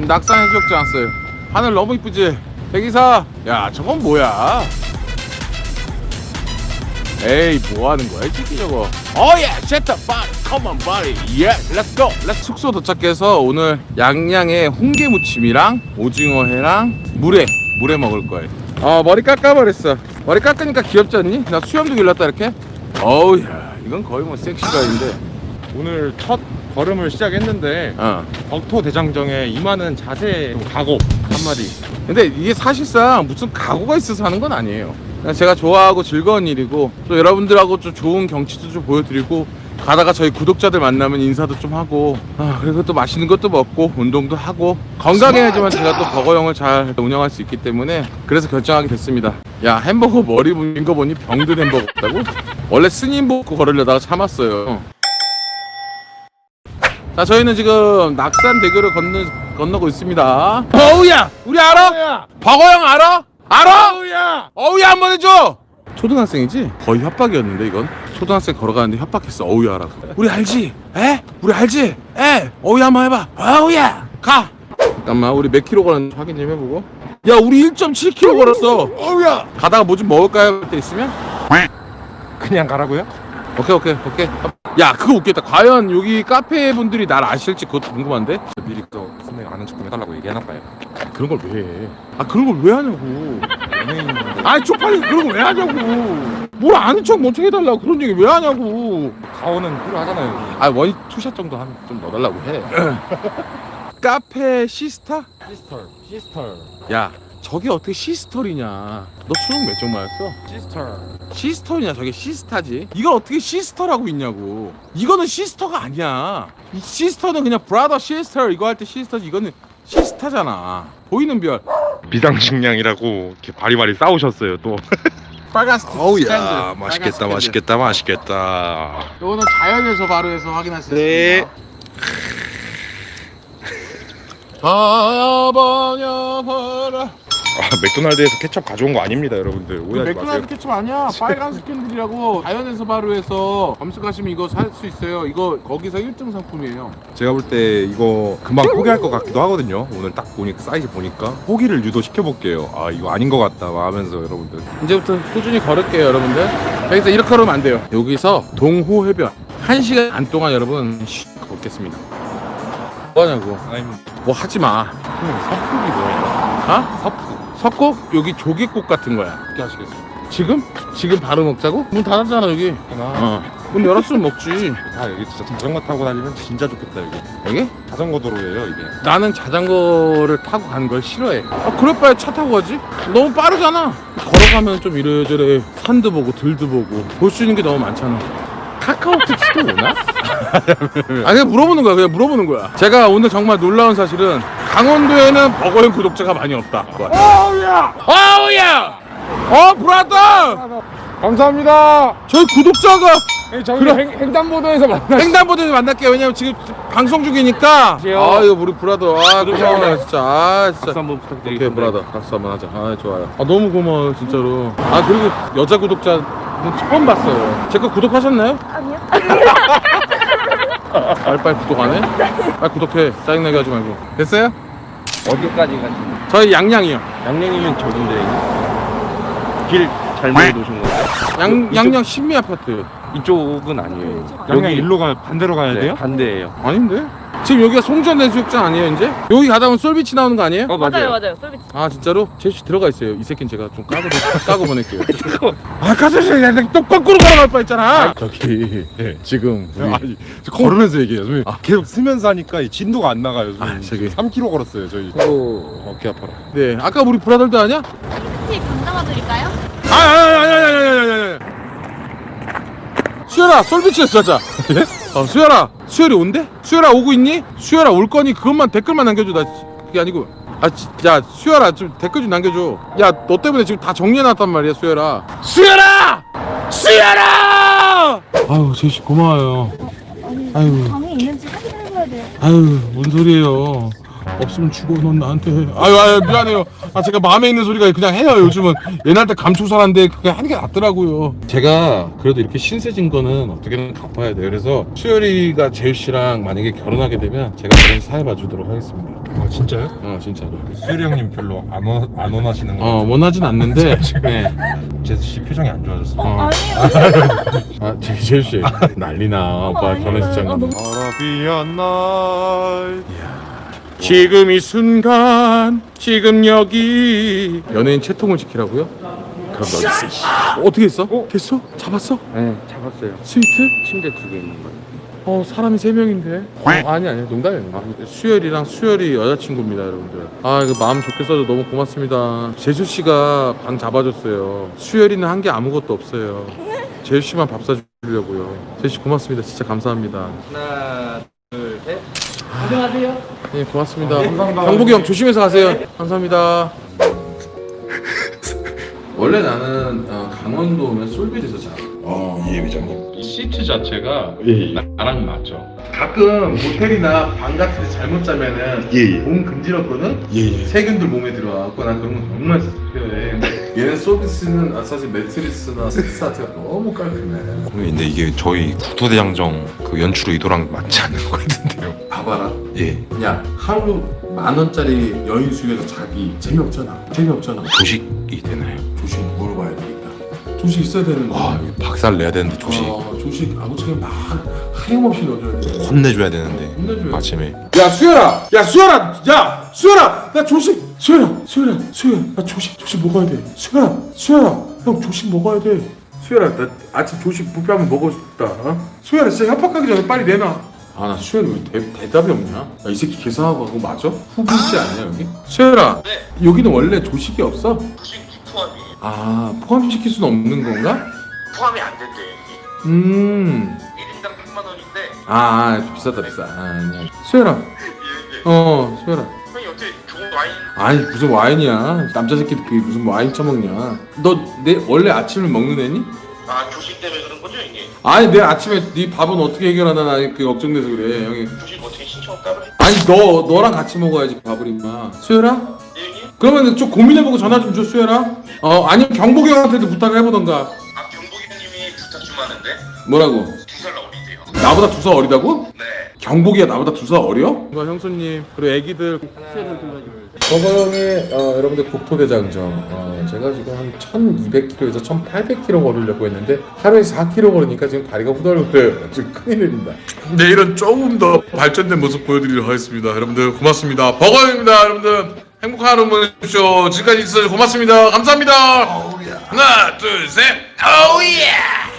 낙산 해수욕장 왔어요. 하늘 너무 이쁘지? 대기사, 야 저건 뭐야? 에이 뭐하는 거야 이 새끼 저거. 오예 셋업 바리 컴온 바리 예 렛츠고. 숙소 도착해서 오늘 양양에 홍게 무침이랑 오징어회랑 물회 먹을 거예요. 머리 깎아버렸어. 머리 깎으니까 귀엽지 않니? 나 수염도 길렀다 이렇게. 어우야 이건 거의 뭐 섹시가인데. 오늘 첫 걸음을 시작했는데 덕토 대장정에 임하는 자세 각오 한마디. 근데 이게 사실상 무슨 각오가 있어서 하는 건 아니에요. 그냥 제가 좋아하고 즐거운 일이고 또 여러분들하고 좀 좋은 경치도 좀 보여드리고 가다가 저희 구독자들 만나면 인사도 좀 하고 그리고 또 맛있는 것도 먹고 운동도 하고 건강해야지만 제가 또 버거형을 잘 운영할 수 있기 때문에 그래서 결정하게 됐습니다. 야 햄버거 머리 붓는 거 보니 병든 햄버거 같다고? 원래 스님 보고 걸으려다가 참았어요. 자 저희는 지금 낙산대교를 건너고 있습니다. 어우야 우리 알아? 버거형 알아? 알아? 어우야 한번 해줘. 초등학생이지? 거의 협박이었는데 이건 초등학생 걸어가는데 협박했어. 어우야 하라고. 우리 알지? 에? 우리 알지? 에? 어우야 한번 해봐. 어우야 가. 잠깐만 우리 몇 킬로 걸었는지 확인 좀 해보고. 야 우리 1.7km 걸었어. 어우야 가다가 뭐 좀 먹을까요? 할 때 있으면? 그냥 가라고요? 오케이. 야 그거 웃겠다. 과연 여기 카페 분들이 날 아실지 그것도 궁금한데? 미리 또 선배가 아는 척 좀 해달라고 얘기해놨봐요. 그런 걸 왜 해? 그런 걸 왜 하냐고. 쪽팔리 그런 걸 왜 하냐고. 뭘 아는 척 먼저 해달라고 그런 얘기 왜 하냐고. 가오는 필요하잖아요. 원이 투샷 정도 좀 넣어달라고 해. 카페 시스타? 시스터. 야 저게 어떻게 시스터리냐. 너 수능 몇 점 맞았어? 시스터냐 저게 시스타지. 이걸 어떻게 시스터라고 있냐고. 이거는 시스터가 아니야. 이 시스터는 그냥 브라더 시스터 이거 할 때 시스터지. 이거는 시스타잖아. 보이는 별. 비상식량이라고 이렇게 바리바리 싸우셨어요 또. 빨간 스탠드. 어우야 맛있겠다. 이거는 자연에서 바로 해서 확인할 수 네. 있습니다. 바라바라. 맥도날드에서 케첩 가져온 거 아닙니다 여러분들. 오해하지 마세요. 맥도날드 케첩 아니야. 빨간 스캔들이라고 자연에서 바로 해서 검색하시면 이거 살 수 있어요. 이거 거기서 1등 상품이에요. 제가 볼 때 이거 금방 포기할 것 같기도 하거든요. 오늘 딱 보니까 사이즈 보니까 포기를 유도시켜볼게요. 이거 아닌 것 같다 하면서 여러분들 이제부터 꾸준히 걸을게요 여러분들. 여기서 이렇게 걸으면 안 돼요. 여기서 동호해변 1시간 안 동안 여러분 걷겠습니다. 뭐하냐고. 뭐 하지마. 섭국이 뭐예요? 석곡? 여기 조개국 같은 거야. 어떻게 하시겠어요? 지금 바로 먹자고? 문 닫았잖아 여기. 문 열었으면 먹지. 여기 진짜 자전거 타고 다니면 진짜 좋겠다 여기. 여기? 자전거 도로예요 이게. 나는 자전거를 타고 가는 걸 싫어해. 그럴 바에 차 타고 가지. 너무 빠르잖아. 걸어가면 좀 이래저래 산도 보고 들도 보고 볼 수 있는 게 너무 많잖아. 카카오택시도 오나? 그냥 물어보는 거야. 제가 오늘 정말 놀라운 사실은 강원도에는 버거형 구독자가 많이 없다. 어우야 브라더 감사합니다. 저희 구독자가 저희 횡단보도에서 만나. 횡단보도에서 만날게요. 왜냐면 지금 방송 중이니까. 이거 우리 브라더 고마워요 진짜. 박수 한번 부탁드리겠습니다. 오케이 브라더 박수 한번 하자. 좋아요. 너무 고마워요 진짜로. 그리고 여자 구독자는 처음 봤어요. 제 거 구독하셨나요? 아니요. 빨리 구독 안 해? 빨리 구독해. 짜증나게 하지 말고. 됐어요? 어디까지 가시나요? 저희 양양이요. 양양이면 저긴데 길 잘못 놓으신 거예요? 양양 신미 아파트. 이쪽은 아니에요. 양양 일로 반대로 가야 네, 돼요? 반대예요. 아닌데? 지금 여기가 송전 해수욕장 아니에요 이제? 여기 가다 보면 솔비치 나오는 거 아니에요? 맞아요. 솔비치. 진짜로? 제시 들어가 있어요. 이 새끼는 제가 좀 까고 보낼게요. 까서씨 또 거꾸로 걸어갈 뻔했잖아. 저기 지금 우리 걸으면서 얘기해요. 계속 쓰면서 하니까 이 진도가 안 나가요. 저기 3km 걸었어요 저희. 어깨 아파라. 네, 아까 우리 브라더도 아니야? 혹시 강 담아드릴까요? 아니. 수열아, 솔비치에서 자자. 수열이 온대? 수열아 오고 있니? 수열아 올 거니 그것만 댓글만 남겨줘. 나 그게 아니고. 야 수열아 좀 댓글 좀 남겨줘. 야 너 때문에 지금 다 정리해놨단 말이야 수열아. 수열아! 제시 고마워요. 방에 있는지 확인해봐야 돼요. 뭔 소리예요. 없으면 죽어 넌 나한테. 미안해요. 제가 마음에 있는 소리가 그냥 해요. 요즘은 옛날 때 감추고 살았는데 그게 하는 게 낫더라고요. 제가 그래도 이렇게 신세진 거는 어떻게든 갚아야 돼요. 그래서 수열이가 재유씨랑 만약에 결혼하게 되면 제가 그런 사회 봐주도록 하겠습니다. 진짜요? 진짜로. 수열이 형님 별로 안 원하시는 거 원하진 않는데. 네. 제수씨 표정이 안 좋아졌어. 아니요. 제수씨 난리나. 오빠 결혼식장 가면. 아라비안 나이. 지금 이 순간, 지금 여기. 연예인 채통을 지키라고요? 그럼 너 있어. 어떻게 했어? 됐어? 잡았어? 네, 잡았어요. 스위트? 침대 2개 있는 거예요. 사람이 3명인데. 아니 농담이야. 수열이랑 수열이 여자친구입니다, 여러분들. 이거 마음 좋게 써줘 너무 고맙습니다. 제수 씨가 방 잡아줬어요. 수열이는 한 게 아무것도 없어요. 제수 씨만 밥 사주려고요. 제수 씨 고맙습니다. 진짜 감사합니다. 하나, 둘, 셋. 네, 고맙습니다. 경복이 형 조심해서 가세요. 감사합니다. 원래 나는 강원도 오면 솔빌에서 자. 예 회장님. 이 시트 자체가 예. 나랑 맞죠. 가끔 모텔이나 방 같은 데 잘못 자면은 예. 몸 금지럽거든? 예. 세균들 몸에 들어와갖고 난 그런 거 정말 필요해. 얘는 서비스는 사실 매트리스나 세트 자체가 너무 깔끔해. 근데 이게 저희 국토대장정 그 연출 의도랑 맞지 않는 것 같은데요. 봐봐라. 예. 야, 하루 10,000원짜리 여인 수에서 자기 재미없잖아. 조식이 되나요? 조식 물어봐야 되겠다. 조식 있어야 되는 거야. 박살 내야 되는데 조식 조식 아무짝에 막 하염없이 넣어줘야 돼. 혼내줘야 되는데 혼내줘야 아침에. 야 수열아, 나 조식. 수열아, 나 조식 먹어야 돼. 수열아, 형 조식 먹어야 돼. 수열아, 나 아침 조식 뷔페 한번 먹고 싶다. 수열아, 진짜 협박하기 전에 빨리 내놔. 나 수열이 왜 대답이 없냐? 이 새끼 계산하고 그거 맞아? 후불지 아니야 여기? 수열아, 여기는 원래 조식이 없어? 조식 포함이에요. 포함시킬 수는 없는 건가? 포함이 안 된대. 1인당 100만 원인데. 비싸. 아니야. 수열아, 수열아. 형이 어떻게 좋은 와인? 아니 무슨 와인이야? 남자 새끼들 그게 무슨 와인 처먹냐? 너 내 원래 아침을 먹는 애니? 조식 때문에 그런 거죠, 이게? 아니 내 아침에 네 밥은 어떻게 해결하나 나 그 걱정돼서 그래 형이. 조식 어떻게 신청 따로 해? 아니 너랑 같이 먹어야지 밥을 임마. 수열아? 예, 형님? 그러면 좀 고민해보고 전화 좀 줘 수열아. 아니면 경복이 형한테도 부탁을 해보던가. 경복이 형님이 부탁 좀 하는데 뭐라고? 2살 어리대요. 나보다 2살 어리다고? 네. 경복이가 나보다 2살 어려? 형수님 그리고 애기들. 저거 형이 여러분들 국토대장정 제가 지금 한 1200km에서 1800km 걸으려고 했는데 하루에 4km 걸으니까 지금 다리가 후덜거려요. 지금 큰일입니다. 내일은 조금 더 발전된 모습 보여드리도록 하겠습니다. 여러분들 고맙습니다. 버거입니다. 여러분들 행복한 하루 보내십시오. 지금까지 있어주셔서 고맙습니다. 감사합니다. 하나 둘 셋. 오예.